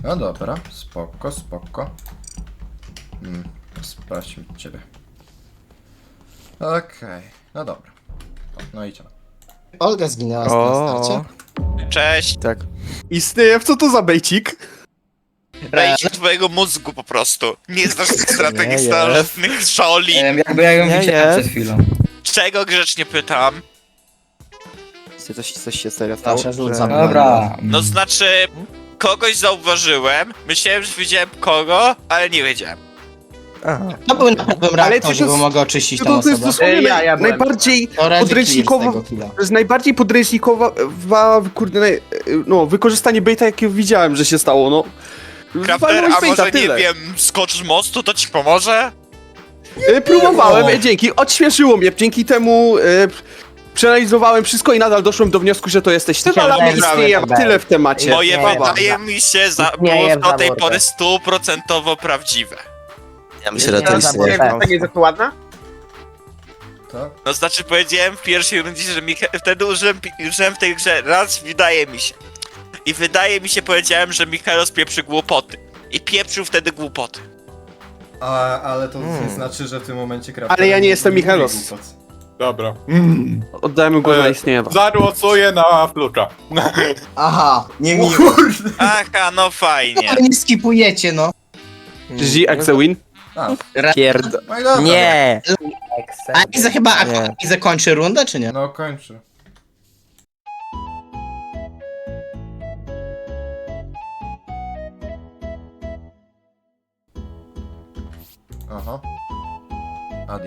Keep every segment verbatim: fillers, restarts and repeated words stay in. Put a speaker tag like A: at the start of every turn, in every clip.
A: No dobra, spoko, spoko. Hmm, sprawdźmy ciebie. Okej, okay. No dobra. O, no idziemy.
B: Olga zginęła na starcie.
C: Cześć.
D: Tak. Istnieje, co to za bejcik?
C: Wejdź do twojego mózgu po prostu. Nie znasz tych strategii
D: Nie
C: starożytnych Shaolin.
E: Em, jakby ja ją
D: Nie
E: widziałem
D: jest.
E: przed chwilą.
C: Czego grzecznie pytam?
D: Coś, coś się serio stało?
B: Nasze rzut
D: że-
B: za-
E: Dobra.
C: No znaczy, kogoś zauważyłem, myślałem, że widziałem kogo, ale nie wiedziałem.
D: Aha.
B: To był na pewnym
D: Ale
B: reaktorze,
D: to
B: bo
D: jest-
B: mogę oczyścić
D: No
B: tę
D: to, to jest
B: osobę.
D: dosłownie
F: Ja-
D: naj,
F: ja byłem.
D: najbardziej
B: To Reggie
D: podręcznikowo...
B: clear z tego killa.
D: To jest najbardziej podręcznikowa, wa- kurde, naj, no, wykorzystanie baita, jakie widziałem, że się stało, no.
C: Crafter,
D: Walnąłeś
C: a
D: baita,
C: może nie
D: tyle.
C: wiem, skoczysz z mostu, to ci pomoże?
D: Y, Próbowałem,
B: No.
D: e, dzięki, odświeżyło mnie, dzięki temu y, przeanalizowałem wszystko i nadal doszłem do wniosku, że to jesteś ty, ale
B: Myślałem,
D: istnieje
B: że-
D: tyle w temacie.
C: Moje
F: Baba.
C: wydaje mi się, za,
F: Nie
C: było
F: jest
C: do tej
F: zaborkę.
C: pory stuprocentowo prawdziwe.
G: Ja myślę, że to
F: Nie,
G: istnieje.
F: nie wiem, to nie jest to ładna?
A: To?
C: No znaczy powiedziałem w pierwszej rundzie, że Micha wtedy użyłem, pi- użyłem w tej grze raz, wydaje mi się. I wydaje mi się, powiedziałem, że Michalos pieprzy głupoty. I pieprzył wtedy głupoty.
A: A, ale to
D: Hmm.
A: nie znaczy, że w tym momencie Crafter
D: Ale ja nie jestem
A: mówi
D: Michalos.
A: głupot.
F: Dobra.
D: Oddałem głos na
F: E,
D: istniewa.
F: Zagłosuję na Flucza.
B: Aha, nie
A: O
B: mi.
A: kurde!
C: Aha, no fajnie.
B: Nie skipujecie, no.
D: G X win?
A: A,
D: Pierd...
A: no i dobra.
D: Nie!
B: A Iza chyba
D: Nie.
B: a Iza kończy rundę, czy nie?
A: No kończy. Aha. Adi.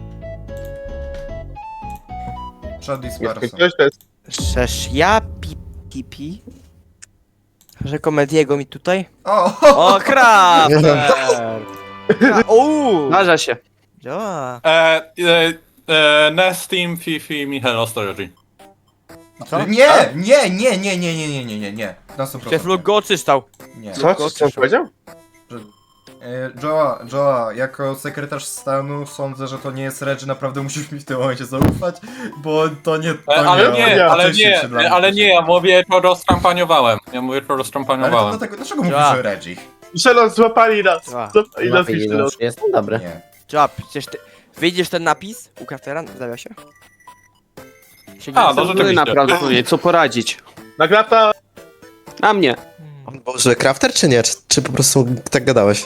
A: Przed dispersem.
F: Coś to jest...
H: Przecież ja pi, pipi, że komediego mi tutaj?
A: O!
H: O, Crafter! Uuu!
D: Zdarza się.
H: Działa.
F: E, e, e, Nest Team, Fifi, Michał Storage.
H: Co?
A: Nie, nie, nie, nie, nie, nie, nie, nie, nie, nie. Na sto
H: Przecież
A: procent.
H: Luke go oczyszczał.
A: Nie.
F: Co? Co on powiedział?
A: E, Joa, Joa, jako sekretarz stanu sądzę, że to nie jest Reggie, naprawdę musisz mi w tym momencie zaufać, bo to nie... To
F: E, ale
A: on
F: nie, ale
A: wcześniej
F: nie,
A: przed nami
F: ale nie, ja
A: poszedł.
F: mówię, to roztrampaniowałem. Ja mówię, to
A: Ale to
F: roztrampaniowałem.
A: dlatego, dlaczego mówisz,
H: Ja.
A: że Reggie?
I: Szelon, złapali nas.
H: Działa.
I: Złapali nas i Szelon.
G: Jestem dobry.
A: Nie.
H: Działa, przecież ty... Widzisz ten napis u Craftera w zawiasie? Się
F: A,
H: nie-
F: no
D: No
F: rzeczywiście.
D: naprawdę, no nie, co poradzić?
I: Nagrata.
D: Na mnie.
H: Hmm.
G: Boże, crafter czy nie? Czy, czy po prostu tak gadałeś?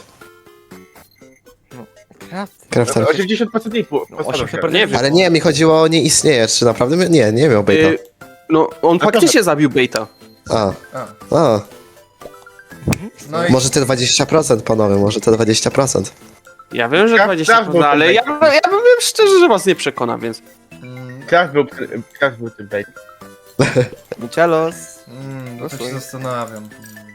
H: Crafter.
G: Crafter.
I: osiemdziesiąt procent ich było.
H: No,
I: postawię.
H: osiemdziesiąt
D: Nie wiem.
G: Ale nie, mi chodziło o nie istnieje. Czy naprawdę mi- nie, nie miał baita.
D: Y, no, on faktycznie zabił baita.
G: A,
A: A,
G: a.
A: no i...
G: Może te dwadzieścia procent, panowie, może te dwadzieścia procent.
D: Ja wiem, że
I: Kraft-
D: dwadzieścia
I: Kraft był
D: procent, ale
I: tym
D: ja, ja powiem szczerze, że was nie przekona, więc...
A: Mm,
I: Kraft był, Kraft był tym bait.
H: Michelos.
A: mm, no to się
H: Posłuchaj.
A: zastanawiam.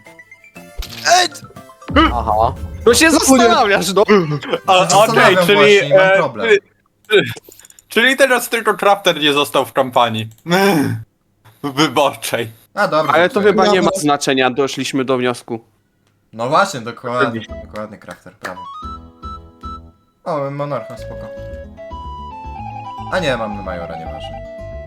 H: Aha.
D: No się zastanawiasz, no.
F: A, Okej,
A: Zastanawiam
F: czyli,
A: właśnie, mam
F: e,
A: problem.
F: czyli... Czyli teraz tylko Crafter nie został w kampanii. Wyborczej.
A: A, dobra.
D: Ale to
A: dobra.
D: chyba nie ma znaczenia, doszliśmy do wniosku.
A: No właśnie, dokładnie, dokładnie, Crafter, prawo. O, monarcha, spoko. A nie, mamy majora, nieważne.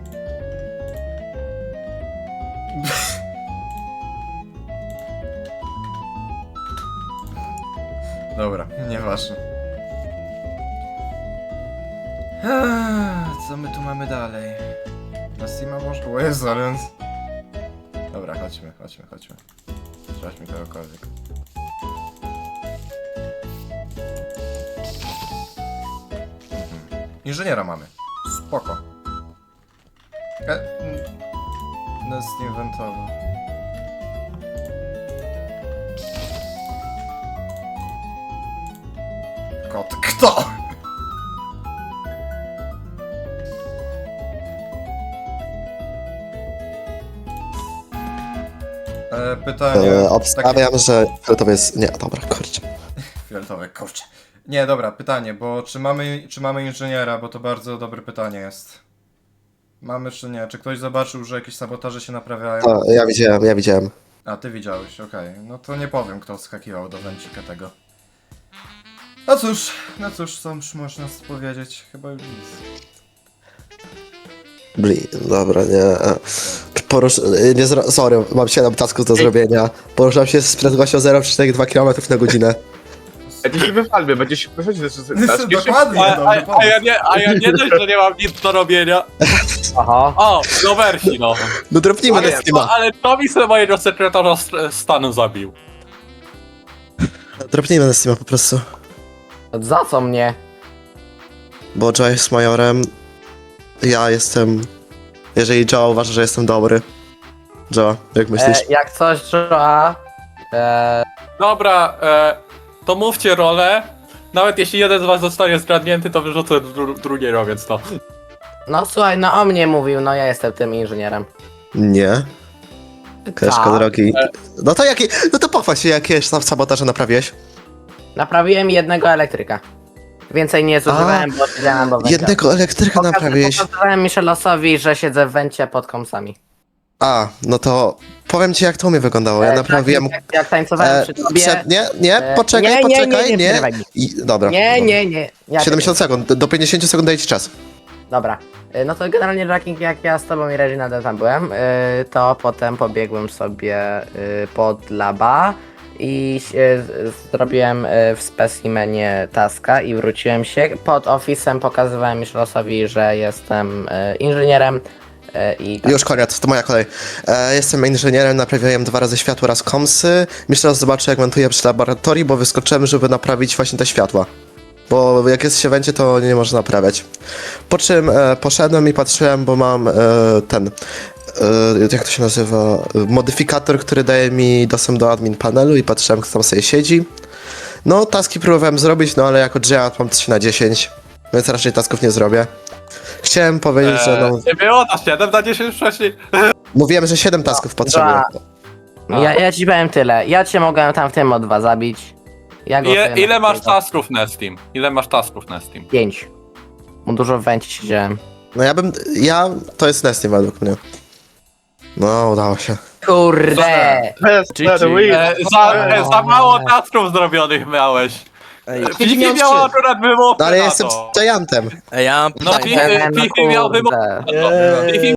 A: Dobra, nieważne. Eee, Co my tu mamy dalej? Na Steama może? O Jezu, ale on... Dobra, chodźmy, chodźmy, chodźmy. Sprawdźmy kogokolwiek. Mhm. Inżyniera mamy. Spoko. E, mm, Nest inwentowy. Kot. Kto? E, pytanie.
G: E, obstawiam, że fioletowy jest... Nie, dobra, kurczę.
A: Fioletowe, kurczę. Nie, dobra, pytanie, bo czy mamy, czy mamy inżyniera, bo to bardzo dobre pytanie jest. Mamy czy nie? Czy ktoś zobaczył, że jakieś sabotaże się naprawiają?
G: To, ja widziałem, ja widziałem.
A: A, ty widziałeś, okej. No to nie powiem, kto skakiwał do węcika tego. No cóż, no cóż, co już można powiedzieć? Chyba już nic.
G: Bli, dobra, nie. Porusz... y, Nie zro... Sorry, mam siedem tasków do zrobienia. Poruszam się z prędkością zero przecinek dwa kilometry na godzinę.
I: Będzie się wyfalmy, będzie się wychodzić ze taski.
A: Dokładnie,
F: A,
A: no,
F: a, a, ja
A: dokładnie.
F: nie, a ja nie dość, że nie mam nic do robienia.
B: Aha.
F: O, no wersi, no.
G: No dropnijmy
F: Ale,
G: na Steama.
F: ale to mi sobie mojego sekretarza st- stanu zabił.
G: Dropnijmy na Steama po prostu.
B: Za co mnie?
G: Bo Joe jest majorem. Ja jestem... Jeżeli Joe uważa, że jestem dobry. Joe, jak myślisz?
B: E, jak coś, Joa... E,
F: Dobra, e, to mówcie rolę. Nawet jeśli jeden z was zostanie zgadnięty, to wyrzucę dru- drugiego, więc no.
B: no słuchaj, no o mnie mówił, no ja jestem tym inżynierem.
G: Nie. Koleżko
B: Tak.
G: drogi. No to jakie... No to pochwal się, jakie sam sabotaże naprawiłeś.
B: Naprawiłem jednego elektryka. Więcej nie zużywałem, bo siedziałem do węgla.
G: Jednego elektryka naprawiłeś.
B: Pokazałem Michelosowi, że siedzę w wencie pod kąsami.
G: A, no to powiem ci jak to u mnie wyglądało. Ja
B: E,
G: naprawiłem...
B: tak, Jak, jak tańcowałem
G: E,
B: przy tobie...
G: prze- nie, nie,
B: e,
G: poczekaj,
B: nie, nie,
G: poczekaj,
B: nie, nie,
G: nie.
B: przerywaj mi.
G: I, dobra.
B: Nie,
G: dobra.
B: nie, nie. Ja
G: siedemdziesiąt sekund, do pięćdziesięciu sekund daję ci czas.
B: Dobra. E, No to generalnie Jacking, jak ja z tobą i Reginaldem tam byłem, e, to potem pobiegłem sobie e, pod laba i e, z- zrobiłem e, w specimenie taska i wróciłem się. Pod ofisem pokazywałem Michelosowi, że jestem e, inżynierem e, i tak.
G: Już koniec, to moja kolej. E, jestem inżynierem, naprawiałem dwa razy światło, raz komsy. Myślę, że zobaczę jak montuję przy laboratorii, bo wyskoczyłem, żeby naprawić właśnie te światła. Bo jak jest się w węcie, to nie można naprawiać. Po czym e, poszedłem i patrzyłem, bo mam e, ten... E, jak to się nazywa? E, Modyfikator, który daje mi dostęp do admin panelu i patrzyłem, kto tam sobie siedzi. No, taski próbowałem zrobić, no ale jako Giant mam trzy na dziesięć, więc raczej tasków nie zrobię. Chciałem powiedzieć, że no...
F: Eee, nie było na siedem na dziesięć wcześniej.
G: Mówiłem, że siedem tasków potrzebuję.
B: Ja, ja ci powiem tyle. Ja cię mogłem tam w tym o dwa zabić. Ja go
F: Ile,
B: sobie
F: ile masz
B: naprawię.
F: tasków na Steam? Ile masz tasków na Steam?
B: Pięć. Bo dużo w węcie siedziałem.
G: No ja bym... Ja... To jest Nesty według mnie. No, udało się.
B: Kurde!
I: Best
H: G G.
I: the win.
F: E, za, e, za mało tasków zrobionych miałeś.
H: Ej,
F: Fifi
G: miał
F: miał
G: trzy.
F: akurat wymówkę
G: No ale ja
F: na
G: jestem
F: to.
G: Giantem.
H: ej, ja mam
F: No
H: pytanie.
F: Fifi,
B: No
F: Fifi miał
B: kurde.
F: wymówkę na to. Fifi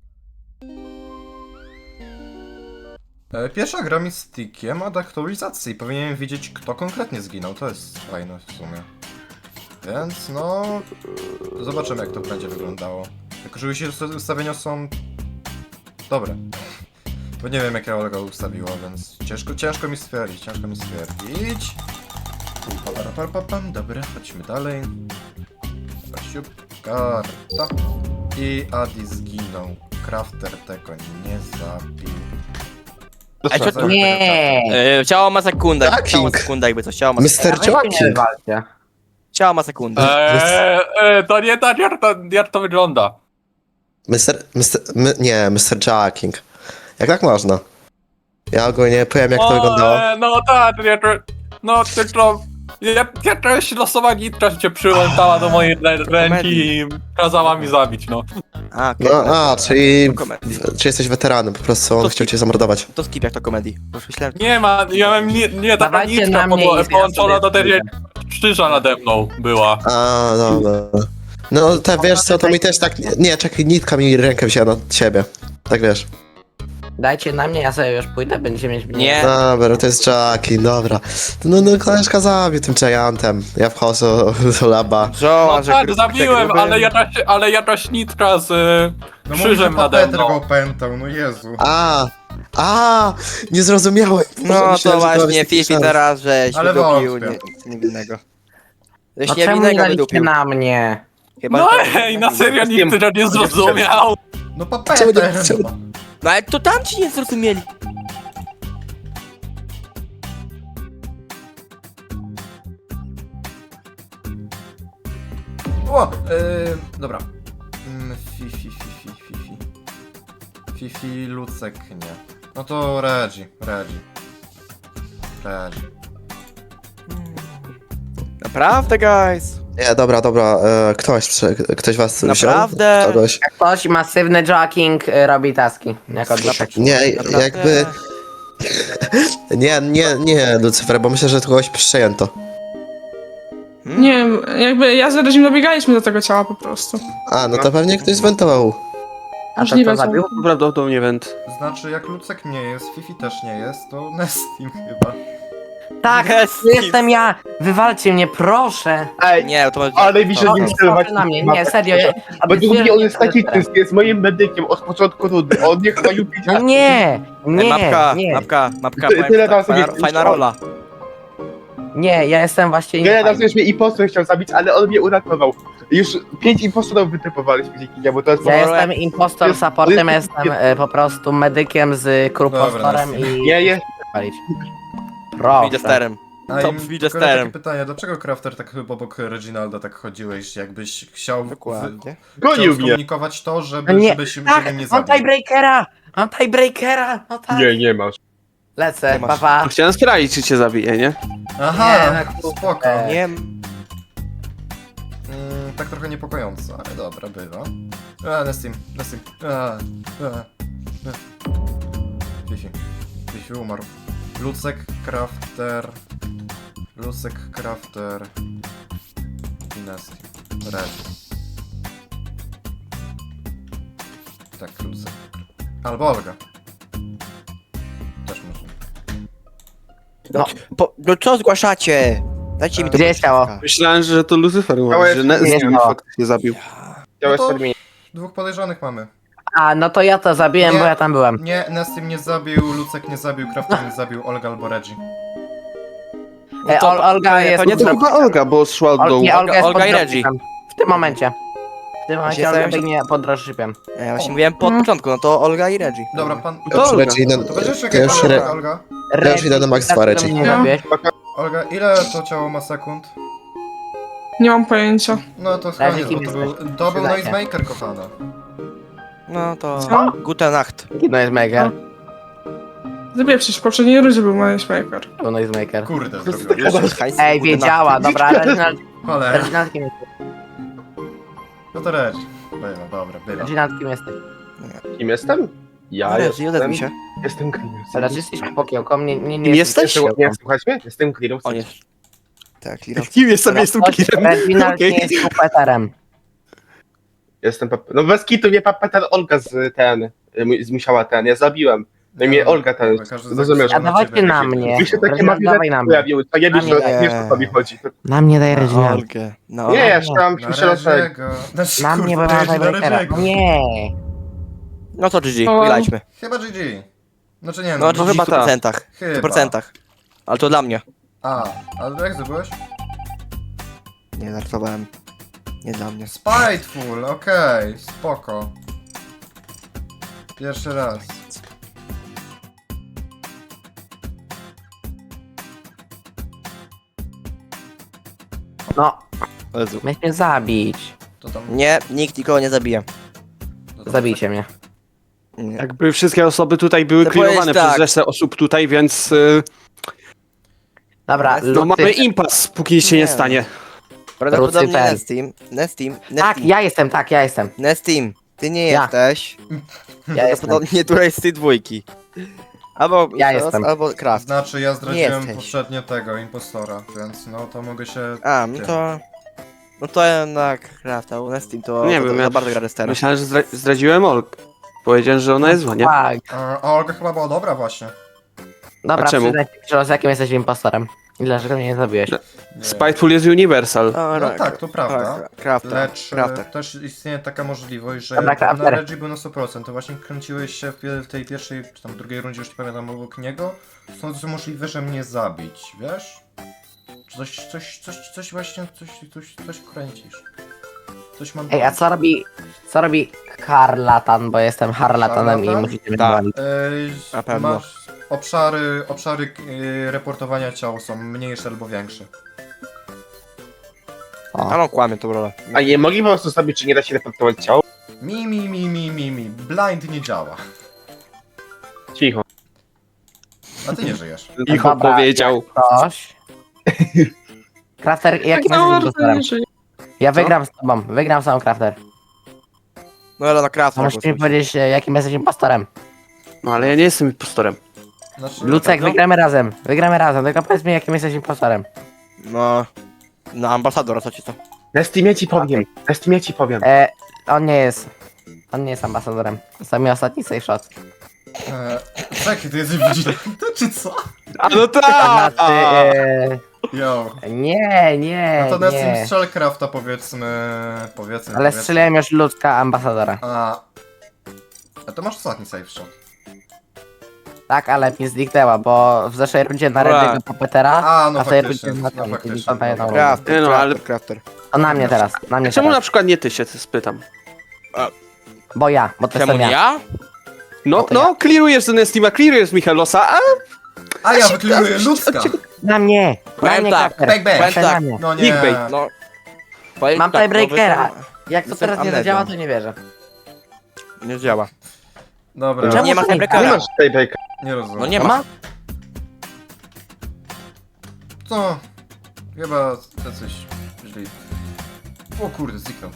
A: E, Pierwsza gra mi z tickiem od aktualizacji i powinienem wiedzieć, kto konkretnie zginął. To jest fajne w sumie. Więc no... e, Zobaczymy, jak to będzie wyglądało. Tylko, że jeśli usta- ustawienia są... dobre. Bo nie wiem, jakie Olga ustawiła, więc ciężko, ciężko mi stwierdzić, ciężko mi stwierdzić. Pam, dobra, chodźmy dalej. Siup, karta. I Adi zginął. Crafter tego nie zabił.
H: Ej, co tu?
B: Nie!
H: E, ciało ma sekundę,
G: Jacking.
H: ciało ma sekundę jakby coś, ciało ma
G: mister
B: Weźcie nie
G: Joaquin.
B: wywalcie.
H: Ciało ma sekundę.
F: Eee, e, to nie tak jak to, jak to wygląda.
G: mister mister My, nie, mister Joaquin. Jak tak można? Ja ogólnie powiem jak to
F: O,
G: wyglądało.
F: e, no tak, nie, to, no tylko... Ja, jakaś losowa nitka cię przyłączała do mojej rę- ręki i kazała mi zabić, no.
H: A, okej.
G: No, a, czyli...
H: To komedii.
G: Czy jesteś weteranem, po prostu on
H: To
G: chciał
H: skip.
G: cię zamordować.
H: To skip jak to komedii. Bo już myślałem,
F: Nie ma, ja mam nie, nie taka
B: Dawajcie
F: nitka
B: na mnie
F: po,
B: i ja
F: połączona
B: sobie
F: do tej
B: pójdę.
F: krzyża nade mną była.
G: A, dobra. No, te wiesz co, to mi też tak... Nie, czekaj, nitka mi rękę wzięła na ciebie. Tak wiesz.
B: Dajcie na mnie, ja sobie już pójdę, będziecie mieć...
H: Nie.
G: Dobra, to jest Jackie, dobra. No, no, koleżka zabił tym Giantem. Ja wchodzę do laba.
H: Joe,
F: No
H: że
F: tak,
H: gru-
F: zabiłem,
H: gruby.
F: ale jakaś, ale jakaś nitka z y,
A: No
F: krzyżem nade
A: Peter
F: mną.
A: go opętał, no Jezu.
G: A, a, nie zrozumiałem.
H: No
G: Myślałem,
H: to
G: że
H: właśnie,
G: jest taki
H: Fifi
G: szans.
H: teraz, żeś
A: Ale
H: wydupił
A: wątpię.
H: nie- niewinnego. Żeś
B: No czemu nie
H: niewinnego
B: daliście
H: wydupił.
B: na mnie?
H: Chyba
F: No
H: to-
F: ej, na serio nikt tego nie zrozumiał.
A: No pa
G: Czemu nie-
A: Peter!
G: czemu-
A: no.
H: No ale to tam ci nie zrozumieli.
A: O, yy, dobra. Mm, Fifi, Fifi, Fifi. Fifi, Lucek, nie. No to Regi, Regi. Regi.
H: Naprawdę, guys.
G: Nie, dobra, dobra, e, ktoś, przy- ktoś was
H: Naprawdę?
G: wziął? Kogoś?
B: Jak ktoś masywny Jacking y, robi taski. Jako dlaczego?
G: Nie,
H: Naprawdę?
G: jakby... Nie, nie, nie, Lucyfer, bo myślę, że kogoś przejęto.
E: Nie wiem, jakby ja z Redzim dobiegaliśmy do tego ciała po prostu.
G: A, no to pewnie ktoś zwentował.
B: A to
E: Możliwe,
B: kto
E: co?
B: zabił?
D: Prawdopodobnie went.
A: Znaczy, jak Lucek nie jest, Fifi też nie jest, to Nestim chyba.
B: Tak,
H: Jest.
B: to jestem ja! Wywalcie mnie, proszę!
I: Ej,
H: Nie, to może...
I: ale najwyżej
B: No,
I: nim
B: proszę
I: sterować.
B: na mnie, nie, serio. Ja,
I: Według mnie on jest taki
B: teraz.
I: czysty, jest moim medykiem od początku rundy. On nie chyba lubi.
B: No nie,
H: Ej,
B: nie,
H: mapka,
B: nie,
H: mapka, mapka,
I: Ty-
H: powiem
I: tyle
H: ci tak,
I: razy
H: fajna,
I: mnie-
H: fajna rola.
B: nie, ja jestem właśnie
I: Wiele
B: niefajny.
I: razy już mnie impostor chciał zabić, ale on mnie uratował. Już pięć impostorów wytypowaliśmy dzięki niemu, to jest
B: Ja
I: po
B: jestem impostor
I: jest-
B: supportem,
I: jest-
B: jestem e, po prostu medykiem z krupostorem
A: Dobra,
B: i...
I: Nie, nie.
B: Palić. Proszę.
H: Idę sterem.
A: A
H: To
A: i
H: widzę
A: tylko takie
H: sterem.
A: pytanie, dlaczego Crafter tak chyba obok Reginalda tak chodziłeś, jakbyś chciał, wy,
H: Dokładnie.
A: chciał
I: Gonił mnie.
A: skomunikować to, żeby,
B: No nie,
A: żeby się
B: Tak,
A: żeby nie
B: mam
A: zabił.
B: tiebreakera! Mam tiebreakera! No tak.
I: Nie, nie masz.
B: Lecę,
H: Nie masz.
B: papa.
D: Chciałem sprawdzić, czy cię zabije, nie?
A: Aha,
B: Nie, no,
A: spoko.
B: e,
H: Nie,
A: Mm, tak trochę niepokojąco, ale dobra, bywa. A, Nestim, Nestim. A, a, a. Fifi. Fifi umarł. Lucek, Crafter. Lucek, Crafter. I Nestim. Red. Tak, Lucek. Albo Olga. Też może.
B: No,
H: po, no co zgłaszacie? Dajcie mi to
B: Gdzie jest ciało?
D: Myślałem, że to Lucyfer
I: Ciało
D: umarł,
I: jest-
D: że ne-
B: nie,
D: z nim
B: no.
D: faktycznie zabił.
I: Chciałeś
A: No to-
I: terminie.
A: Dwóch podejrzanych mamy.
B: A, no to ja to zabiłem,
A: Nie.
B: bo ja tam byłem.
A: Nie, Nestim nie zabił, Lucek nie zabił, Crafter nie zabił, Olga albo Reggie.
B: E,
H: to-
B: Ol, Olga
H: to
B: jest...
H: nie
D: To chyba Olga, bo szła od
B: Ol,
D: dołu.
B: nie, Olga jest
H: Olga
B: pod
H: i Reggie.
B: dropshipem. W tym momencie. W tym momencie
H: Właśnie
B: Olga
H: zająłem się-
B: biegnie pod dropshipem.
H: Ja właśnie mówiłem po
E: No.
H: początku, no to Olga i Reggie.
A: Dobra, pan...
D: To Olga.
G: Reggie, idę,
A: To będziesz
G: ja
A: czekać,
G: już,
A: Olga,
G: re,
A: Olga.
G: ja już idę do Max dwa, Reggie.
B: Nie
E: No.
B: zabiłeś.
A: Olga, ile to ciało ma sekund?
E: Nie mam pojęcia.
A: No to
B: Reggie,
A: koniec, bo
B: kim
A: to był,
B: jesteś?
A: to był
B: Przydaj się.
A: Noisemaker, kochana.
H: No to...
E: Co?
H: Gute Nacht.
B: No jest mega.
E: Zabiję przecież w poprzedniej rundzie był Matchmaker.
B: To noisemaker.
A: Kurde, zrobiłem.
H: Hajs,
B: Ej,
H: gute
B: wiedziała,
H: Nacht.
B: dobra, Reginald,
A: Ale,
B: Reginald kim jesteś?
A: no to Reggie. Bywa, dobra, bywa.
B: Reginald kim jesteś?
I: Kim jestem? Ja
H: No, Reggie,
I: jestem...
H: uda mi się.
I: Jestem Clearem.
B: Teraz jesteś popokiełką, nie, nie, nie
D: Kim jesteś?
I: Jeszcze- Nie, słuchajcie mnie? Jestem Clearem.
H: On jest... Tak, Clear.
D: Kim jestem? Jestem killem.
B: Reginald
D: Okej.
B: nie jest kupeterem.
I: Jestem pap... No bez kitu mnie papetan Olga z ten... y, mu- Musiała ten, ja zabiłem. No i mnie Olga ten...
A: Każdy
I: Rozumiesz?
A: zagłosował
B: A dawajcie
A: ciebie,
B: na
A: Reggie.
B: mnie.
I: Mi się takie
B: Reginald, dawaj na
I: marionety
B: mnie.
I: pojawiły, to nie
B: Na
I: wiesz,
B: mnie
I: że
H: daj.
I: wiesz o co mi chodzi.
B: Na mnie daj
H: Na
B: Reginald.
H: Olgę. No.
I: Nie, ja chciałam
A: Na
I: prześledzić.
A: Reggie'ego. Znaczy,
B: Na mnie, bo
A: kurde,
B: mam
A: Reggie na
B: tiebreakera.
A: Reggie'ego.
B: Nie.
H: No to G G,
E: O.
H: wygraliśmy.
A: Chyba G G. Znaczy nie,
H: No
A: no,
H: G G
D: chyba
H: w stu procentach. W
A: chyba.
H: stu procentach. Ale to dla mnie.
A: A, ale jak zdobyłeś?
H: Nie, żartowałem. Nie dla mnie.
A: Spiteful, okej, spoko. Pierwszy raz.
B: No,
H: Jezu.
B: miałeś mnie zabić.
A: To tam...
H: Nie, nikt nikogo nie zabije.
A: to tam-
B: Zabijcie mnie.
H: Nie.
D: Jakby wszystkie osoby tutaj były
H: To
D: clearowane
H: powiedz
D: przez
H: tak.
D: resztę osób tutaj, więc y,
B: Dobra,
H: No,
D: no
B: Lucy.
D: mamy impas, póki nic się nie
H: Nie.
D: stanie.
H: Prawdopodobnie
B: Lucyfer.
H: Nestim. Nestim.
B: Tak,
H: Nestim.
B: ja jestem, tak, ja jestem.
H: Nestim. Ty nie
B: Ja.
H: jesteś.
B: Ja jestem.
H: Prawdopodobnie któraś z tej dwójki. Albo
B: Ja
H: Isos,
B: jestem.
H: albo Kraft.
A: Znaczy ja zdradziłem
H: jesteś.
A: poprzednio tego, impostora, więc no to mogę się...
H: A, no to... No to jednak Kraft, a u Nestim to...
D: Nie
H: to,
D: wiem,
H: to
D: ja-
H: za bardzo gra Restera.
D: Myślałem, że zdra zdradziłem Olg. Powiedziałem, że ona jest zła, nie?
B: Tak.
A: A, a Olga chyba była dobra właśnie.
B: Dobra,
D: A czemu?
B: przyznaj się, z jakim jesteś impostorem. I dlaczego mnie nie zabiłeś?
D: No.
A: Nie.
D: Spiteful jest universal.
A: No tak, to prawda.
H: Krafta.
A: Lecz e,
H: Krafta.
A: też istnieje taka możliwość, że
B: Dobra,
A: na
B: Crafter.
A: Reggie był na sto procent, to właśnie kręciłeś się w, pie- w tej pierwszej, czy tam drugiej rundzie, już nie pamiętam, obok niego. Są to możliwe, że mnie zabić, wiesz? Czy Coś, coś, coś, coś właśnie, coś, coś, coś kręcisz. Coś mam...
B: Ej, a co robi, co robi Harlatan, bo jestem harlatanem i
A: Harlatan?
B: musicie mnie
H: Tak.
B: wywalić.
A: Ej,
H: Na pewno.
A: masz obszary, obszary yy, reportowania ciał są mniejsze albo większe.
H: A no kłamie tą rolę.
I: A nie mogli po prostu sobie, czy nie da się reportować ciało?
A: Mi, mi, mi, mi, mi, mi. Blind nie działa.
I: Cicho.
A: A ty nie żyjesz.
D: Icho
B: Dobra,
D: powiedział.
B: Coś. Crafter, jakim
E: Tak
B: jesteś
E: samo
B: impostorem?
E: bardzo nie
B: Ja wygram z tobą, wygram z tobą, Crafter.
H: No ale na Krafta.
B: A musisz mi powiedzieć, e, jakim jesteś impostorem.
D: No ale ja nie jestem impostorem.
A: Znaczy,
B: Lucek,
H: no.
B: wygramy razem, wygramy razem, tylko powiedz mi, jakim jesteś impostorem.
H: No... No ambasador, a co ci to?
I: Na Steamie ci powiem. Na Steamie ci powiem.
B: E, on nie jest. On nie jest ambasadorem. Sami ostatni safe shot.
A: Eee, czekaj, ty jesteś wigilantem, czy co?
D: A no tak!
B: Znaczy, e,
A: Yo.
B: nie, nie,
A: No to Nessim
B: nie.
A: Strzelcrafta powiedzmy... Powiedzmy,
B: Ale
A: powiedzmy.
B: strzeliłem już ludzka ambasadora.
A: A... A to masz ostatni safe shot.
B: Tak, ale mi zniknęła, bo w zeszłej rundzie na
D: Ura.
B: Redy'ego Puppetera,
A: A, no
B: a w tej
A: faktycznie,
B: rundzie na
A: no
B: ten,
A: faktycznie,
B: to na jedną
A: dobra.
B: rundę.
H: Crafter,
D: Nie no, ale-
H: crafter, crafter.
B: To na mnie teraz, na mnie
D: Czemu na
B: teraz.
D: przykład nie ty się spytam?
B: Bo ja, bo to
H: Czemu
B: jestem
H: nie
B: ja.
H: ja?
D: No,
B: to
D: no, clearujesz z Nestima, clearujesz z Michelosa, a
A: A ja wykliruję ludzka!
B: Na mnie! Na
H: Powiem
B: mnie,
H: tak,
B: Kacper.
A: bang, bang.
B: Proszę
H: Powiem
B: na
H: tak.
B: mnie.
A: No nie.
D: Clickbait.
H: No. Powiem
B: Mam
H: tak,
B: tiebreakera.
H: no, wy-
B: Jak to
H: Jestem
B: teraz nie
H: amnezją.
B: zadziała, to nie wierzę.
H: Nie działa.
A: Dobra,
B: Czemu
H: Nie ma
B: to nie
I: Nie
H: tiebreakera.
I: masz tiebreaka.
A: nie rozumiem.
H: No nie
B: No
H: ma.
B: ma?
A: Co? Chyba jacyś źli. O kurde, zniknął.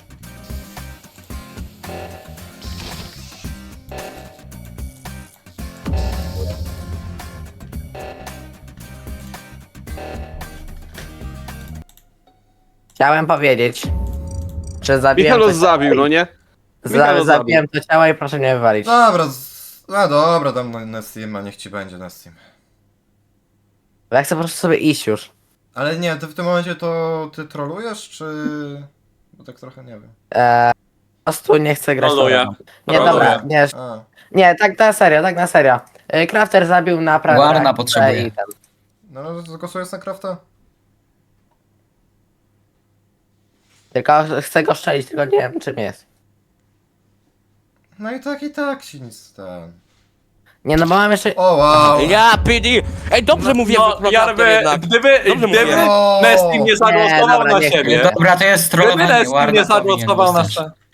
B: Chciałem powiedzieć, że zabiłem
D: Michelos
B: to,
D: zabił, no nie?
B: za,
D: Michelos
B: zabiłem to ciało i proszę nie wywalić.
A: Dobra, z... no dobra, dam na Nessima, niech ci będzie Nessim.
B: Bo ja chcę po prostu sobie iść już.
A: Ale nie, ty w tym momencie to ty trolujesz, czy... Bo tak trochę nie wiem.
B: Eee, po prostu nie chcę grać.
F: Troluję.
B: tą grą. Nie, dobra, nie,
A: A,
B: nie, tak na serio, tak na serio. Eee, Crafter zabił na prawie.
J: Warna potrzebuje.
B: I ten.
A: no zagłosujesz na Crafta?
B: Tylko chcę go strzelić, tylko nie wiem czym jest.
A: No i tak, i tak się nic ten...
B: Nie no, bo mam jeszcze...
A: O wow!
H: Ja, P D! Ej, dobrze mówię,
F: No,
H: no,
F: jakby,
H: jednak.
F: gdyby,
H: Dobrze
F: gdyby
H: mówię.
A: O!
F: Nestim nie zagłosował
B: dobra,
F: na
B: nie,
F: siebie,
J: Dobra, to jest
F: gdyby
J: trollowanie.
F: Nestim
J: Warna
F: nie
J: powinien
F: zagłosował na
J: dostać.
F: siebie,